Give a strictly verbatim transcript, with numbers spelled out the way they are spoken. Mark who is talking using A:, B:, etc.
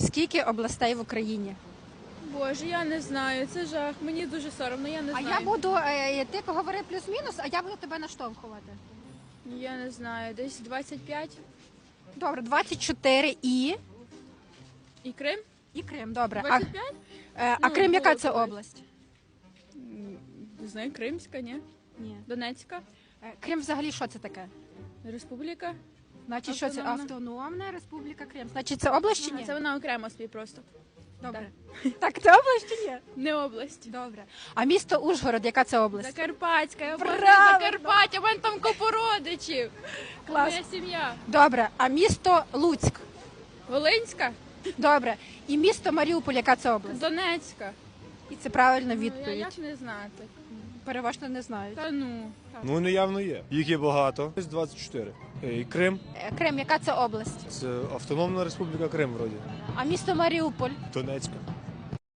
A: Скільки областей в Україні?
B: Боже, я не знаю, це жах. Мені дуже соромно, я не
A: А
B: знаю.
A: я буду, е, ти говори плюс-мінус, а я буду тебе наштовхувати.
B: Я не знаю, десь двадцять п'ять.
A: Добре, двадцять чотири і...
B: І Крим?
A: І Крим, добре. А,
B: двадцять п'ять?
A: е, а
B: Ну,
A: Крим яка
B: було
A: це
B: колись.
A: область?
B: М, Не знаю, Кримська, ні?
A: Ні.
B: Донецька?
A: Е, Крим взагалі що це таке?
B: Республіка?
A: Значить, що це
B: Автономна.
A: автономна Республіка Крим. Значить, це область чи
B: А,
A: ні?
B: це вона окремо собі просто.
A: Добре. Так, це область чи ні?
B: Не область.
A: Добре. А місто Ужгород, яка це область?
B: Закарпатська, я обожнюю
A: Правильно.
B: Закарпаття, у мене там купу родичів.
A: Клас.
B: Моя сім'я.
A: Добре. А місто Луцьк?
B: Волинська?
A: Добре. І місто Маріуполь, яка це область?
B: Донецька.
A: І це правильна
B: Ну, я
A: відповідь.
B: як не знати?
A: Переважно не знають.
B: Та ну.
C: Ну, вони явно є. Їх є багато. Десь двадцять чотири. Е, І Крим.
A: Е, Крим, яка це область?
C: Це Автономна Республіка Крим, вроді.
A: А місто Маріуполь?
C: Донецька.